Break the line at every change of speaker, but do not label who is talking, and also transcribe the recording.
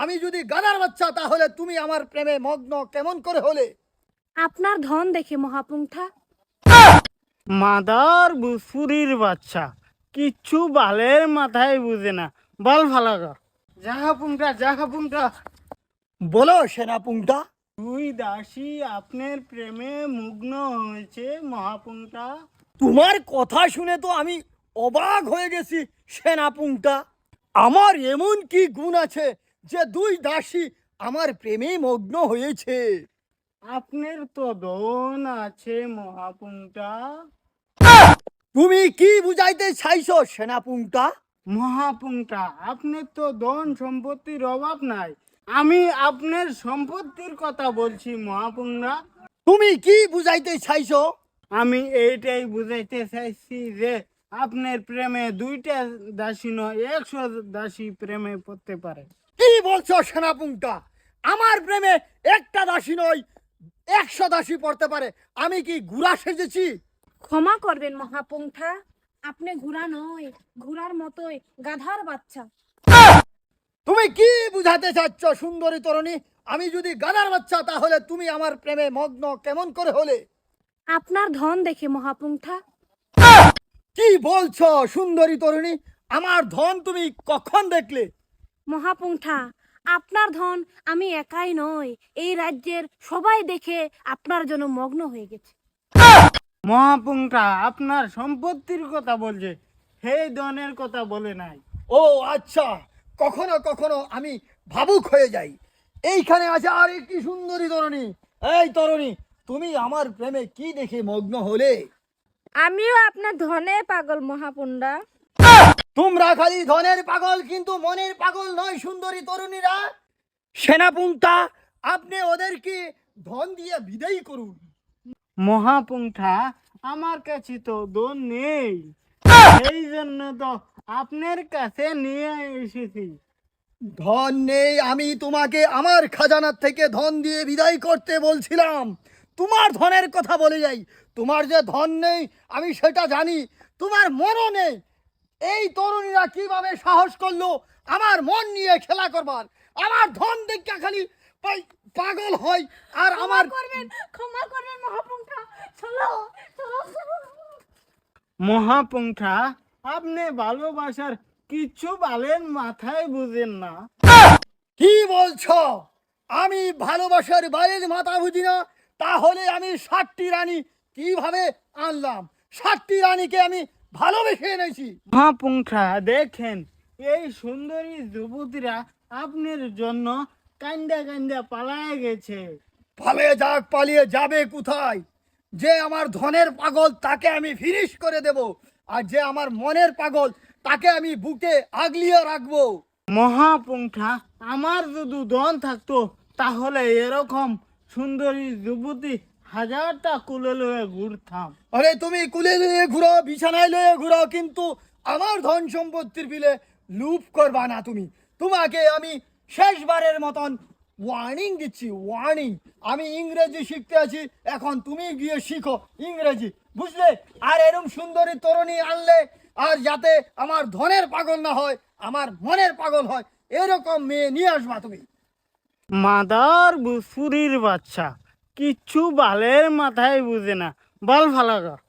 আমি যদি গাধার বাচ্চা তাহলে তুমি আমার প্রেমে মগ্ন কেমন করে হলে?
আপনার ধন দেখে মহাপুঙ্খা।
মাদার বুসুরির বাচ্চা কিচ্ছু বালের মাথায় বুঝে না, বল ফালাগা। জাহাপুংটা
বলো সেনাপুংটা।
দুই দাসী আপনার প্রেমে মগ্ন হয়েছে মহাপুংটা।
তোমার কথা শুনে তো আমি অবাক হয়ে গেছি সেনাপুংটা। আমার এমন কি গুণ আছে যে দুই দাসী আমার প্রেমে মগ্ন হয়েছে?
আপনার তো দন আছে মহাপুংটা।
তুমি কি বুঝাইতে চাইছো সেনাপুংটা?
মহাপুংটা আপনার তো ধন সম্পত্তির অভাব নাই, আমি আপনার সম্পত্তির কথা বলছি মহাপুংরা।
তুমি কি বুঝাইতে চাইছো?
আমি এইটাই বুঝাইতে চাইছি যে আপনার প্রেমে দুইটা দাসী নয় 100 দাসী প্রেমে পড়তে পারে।
কি বলছো সেনাপুংটা? আমার প্রেমে একটা দাসী নয় 100 দাসী পড়তে পারে। আমি কি গুড়া সেজেছি?
ক্ষমা করবেন মহাপুঙ্খা, আপনি ঘোড়া নয়, ঘোড়ার মতোই গাধার বাচ্চা।
তুমি কি বুঝাতে চাচ্ছ সুন্দরী তরুণী? আমি যদি গাধার বাচ্চা তাহলে তুমি আমার প্রেমে মগ্ন কেমন করে হলে?
আপনার ধন দেখে মহাপুঙ্খা।
কি বলছো সুন্দরী তরুণী? আমার ধন তুমি কখন দেখলে?
মহাপুঙ্খা, আপনার ধন আমি একাই নয়, এই রাজ্যের সবাই দেখে আপনার জন্য মগ্ন হয়ে গেছে।
মহাপুংটা আপনার সম্পত্তির কথা বলছে, হে ধনের কথা বলে নাই।
ও আচ্ছা, কখনো কখনো আমি ভাবুক হয়ে যাই। এইখানে আছে আর একটি সুন্দরী তরুণী। এই তরুণী, তুমি আমার প্রেমে কি দেখে মগ্ন হলে?
আমিও আপনার ধনে পাগল মহাপুন্ডা।
তোমরা খালি ধনের পাগল কিন্তু মনের পাগল নয় সুন্দরী তরুণীরা। সেনাপুংটা, আপনি ওদেরকে ধন দিয়ে বিদায়ী করুন।
মহাপুংটা আমার কাছে তো ধন নেই, এই জন্য তো আপনার কাছে নিয়ে এসেছি।
ধন নেই? আমি তোমাকে আমার খাজানার থেকে ধন দিয়ে বিদায় করতে বলছিলাম। তোমার ধনের কথা বলে যাই। তোমার যে ধন নেই আমি সেটা জানি, তোমার মনও নেই। এই তরুণীরা কিভাবে সাহস করলো আমার মন নিয়ে খেলা করবার? আমার ধন দেখে খালি পাগল হয়। আর আমার
ক্ষমা করবেন মহাপুঙ্খা, চলো চলো।
মহাপুংটা আপনি ভালোবাসার কিছু বালের মাথায় বুঝেন না।
কি বলছো? আমি ভালোবাসার বাইরের মাথা বুঝি না? তাহলে আমি 60টি রানী কিভাবে আনলাম? 60টি রানীকে আমি ভালোবেসে এনেছি।
মহাপুংটা দেখেন, এই সুন্দরী যুবতীরা আপনার জন্য কান্দা কান্দা পালায় গেছে।
পালিয়ে যাক, পালিয়ে যাবে কোথায়? যে আমার ধনের পাগল তাকে আমি ফিনিশ করে দেব, আর যে আমার মনের পাগল তাকে আমি বুকে আগলিয়ে রাখবো।
মহাপুংটা আমার যদি ধন থাকতো তাহলে এরকম সুন্দরী যুবতী হাজারটা কুলে লয়ে ঘুরতাম।
আরে তুমি কুলে লয়ে ঘুরো, বিছানায় লয়ে ঘুরো, কিন্তু আমার ধন সম্পত্তির বিলে লুপ করবা না তুমি। তোমাকে আমি শেষবারের মতন ওয়ার্নিং দিচ্ছি, ওয়ার্নিং। আমি ইংরেজি শিখতে আছি, এখন তুমি গিয়ে শিখো ইংরেজি, বুঝলে? আর এরকম সুন্দরী তরুণী আনলে, আর যাতে আমার ধনের পাগল না হয়, আমার মনের পাগল হয়, এরকম মেয়ে নিয়ে আসবা তুমি।
মাদার বুসুরির বাচ্চা কিচ্ছু বালের মাথায় বুঝে না, বল ফালাগা।